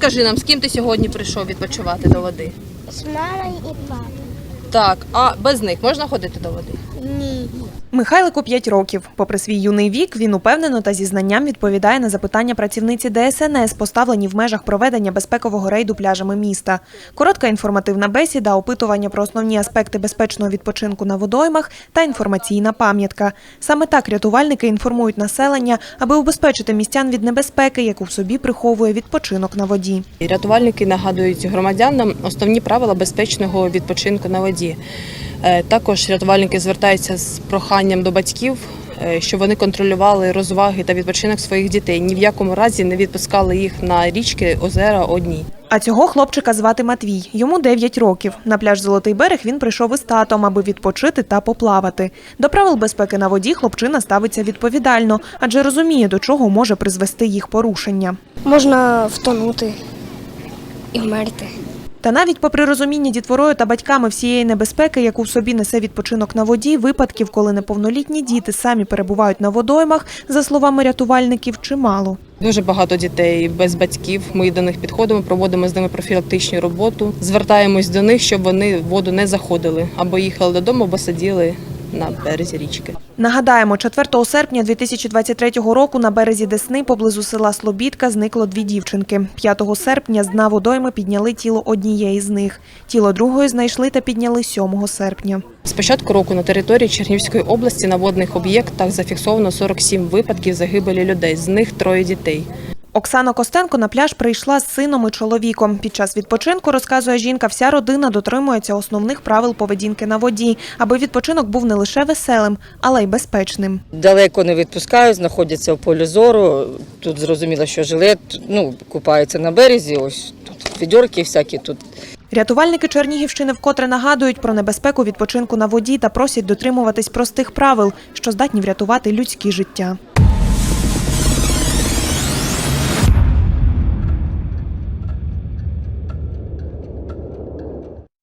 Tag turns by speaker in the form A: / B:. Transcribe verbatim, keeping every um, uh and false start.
A: Розкажи нам, з ким ти сьогодні прийшов відпочивати до води?
B: З мамою і папою.
A: Так, а без них можна ходити до води?
B: Ні.
C: Михайлику п'ять років. Попри свій юний вік, він упевнено та зі знанням відповідає на запитання працівниці Де Ес Ен Ес, поставлені в межах проведення безпекового рейду пляжами міста. Коротка інформативна бесіда, опитування про основні аспекти безпечного відпочинку на водоймах та інформаційна пам'ятка. Саме так рятувальники інформують населення, аби убезпечити містян від небезпеки, яку в собі приховує відпочинок на воді.
A: Рятувальники нагадують громадянам основні правила безпечного відпочинку на воді. Також рятувальники звертаються з проханням до батьків, щоб вони контролювали розваги та відпочинок своїх дітей. Ні в якому разі не відпускали їх на річки, озера одні.
C: А цього хлопчика звати Матвій. Йому дев'ять років. На пляж «Золотий берег» він прийшов із татом, аби відпочити та поплавати. До правил безпеки на воді хлопчина ставиться відповідально, адже розуміє, до чого може призвести їх порушення.
B: Можна втонути і вмерти.
C: Та навіть попри розуміння дітворою та батьками всієї небезпеки, яку в собі несе відпочинок на воді, випадків, коли неповнолітні діти самі перебувають на водоймах, за словами рятувальників, чимало.
A: Дуже багато дітей без батьків. Ми до них підходимо, проводимо з ними профілактичну роботу. Звертаємось до них, щоб вони в воду не заходили, або їхали додому, або сиділи на березі річки.
C: Нагадаємо, четвертого серпня дві тисячі двадцять третього року на березі Десни поблизу села Слобідка зникло дві дівчинки. п'ятого серпня з дна водойми підняли тіло однієї з них. Тіло другої знайшли та підняли сьомого серпня.
A: З початку року на території Чернігівської області на водних об'єктах зафіксовано сорок сім випадків загибелі людей, з них троє дітей.
C: Оксана Костенко на пляж прийшла з сином і чоловіком. Під час відпочинку, розказує жінка, вся родина дотримується основних правил поведінки на воді, аби відпочинок був не лише веселим, але й безпечним.
D: Далеко не відпускають, знаходяться в полі зору. Тут зрозуміло, що жилет, ну, купаються на березі, ось тут фідьорки всякі тут.
C: Рятувальники Чернігівщини вкотре нагадують про небезпеку відпочинку на воді та просять дотримуватись простих правил, що здатні врятувати людські життя.